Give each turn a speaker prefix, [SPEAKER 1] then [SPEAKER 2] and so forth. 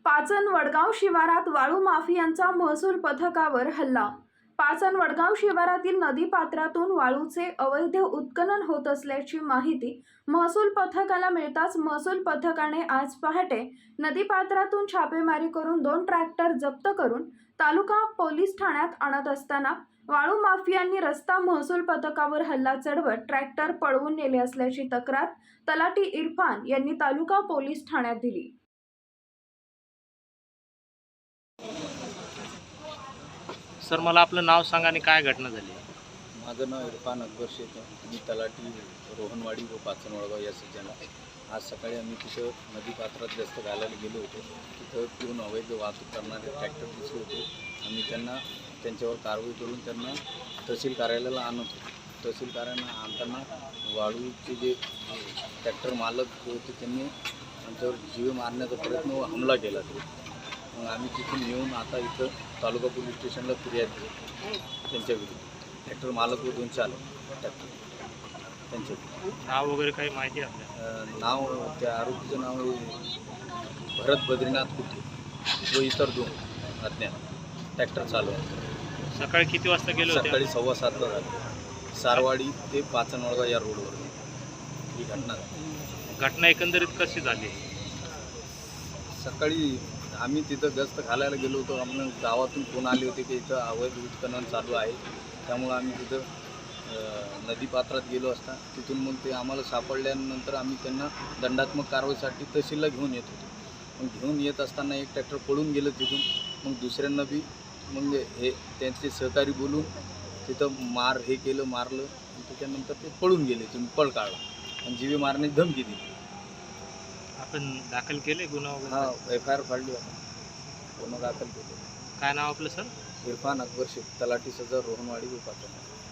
[SPEAKER 1] पाचन वडगाव शिवारात वाळू माफियांचा महसूल पथकावर हल्ला। पाचन वडगाव शिवारातील नदीपात्रातून वाळूचे अवैध उत्खनन होत असल्याची माहिती महसूल पथकाला मिळताच महसूल पथकाने आज पहाटे नदीपात्रातून छापेमारी करून 2 ट्रॅक्टर जप्त करून तालुका पोलीस ठाण्यात आणत असताना वाळू माफियांनी रस्ता महसूल पथकावर हल्ला चढवत ट्रॅक्टर पळवून नेले असल्याची तक्रार तलाठी इरफान यांनी तालुका पोलीस ठाण्यात दिली।
[SPEAKER 2] सर, मला आपलं नाव सांगा आणि काय घटना झाली?
[SPEAKER 3] माझं नाव इरफान अकबर शेख आहे। मी तलाठी रोहनवाडी व पाचन वडगाव या सज्जन। आज सकाळी आम्ही तिथं नदीपात्रात गस्त घालायला गेलो होतो। तिथं पिऊन अवैध वाहतूक करणारे ट्रॅक्टर दिसले होते। आम्ही त्यांच्यावर कारवाई करून त्यांना तहसील कार्यालयाला आणत होतो। तहसील कार्यालयाला आणताना वाळूचे जे ट्रॅक्टर मालक होते त्यांनी आमच्यावर जीवे मारण्याचा प्रयत्न व हमला केला। मग आम्ही तिथून येऊन आता इथं तालुका पोलीस स्टेशनला फिर्याद दिली त्यांच्या विरुद्ध। ट्रॅक्टर मालक व 2 चालक ट्रॅक्टर त्यांचे
[SPEAKER 2] नाव वगैरे काही माहिती आहे?
[SPEAKER 3] नाव त्या आरोपीचं नाव आहे भरत बद्रीनाथ कुटे व इतर 2 अज्ञात ट्रॅक्टर चालक।
[SPEAKER 2] सकाळी किती वाजता गेलो होते?
[SPEAKER 3] सकाळी 7:15 झाले। सारवाडी ते पाचन वडगाव या रोडवर ही घटना झाली।
[SPEAKER 2] घटना एकंदरीत कशी झाली?
[SPEAKER 3] सकाळी आम्ही तिथं गस्त घालायला गेलो होतो। आम्हाला गावातून फोन आले होते की इथं अवैध उत्खनन चालू आहे। त्यामुळं आम्ही तिथं नदीपात्रात गेलो असता तिथून मग ते आम्हाला सापडल्यानंतर आम्ही त्यांना दंडात्मक कारवाईसाठी तहसीलला घेऊन येत होतो। मग घेऊन येत असताना एक ट्रॅक्टर पळून गेलं तिथून। मग दुसऱ्यांना बी मग हे त्यांचे सहकारी बोलून तिथं मारलं। त्याच्यानंतर ते पळून गेले। तुम्ही पळ काढला आणि जीवे मारण्याची धमकी दिली।
[SPEAKER 2] आपण दाखल केले गुन्हा वगैरे?
[SPEAKER 3] हां, FIR फाडली होता, गुन्हा दाखल केले।
[SPEAKER 2] काय नाव आपलं सर?
[SPEAKER 3] इरफान अकबर शेख, तलाठी सदर रोहनवाडी व पाचन।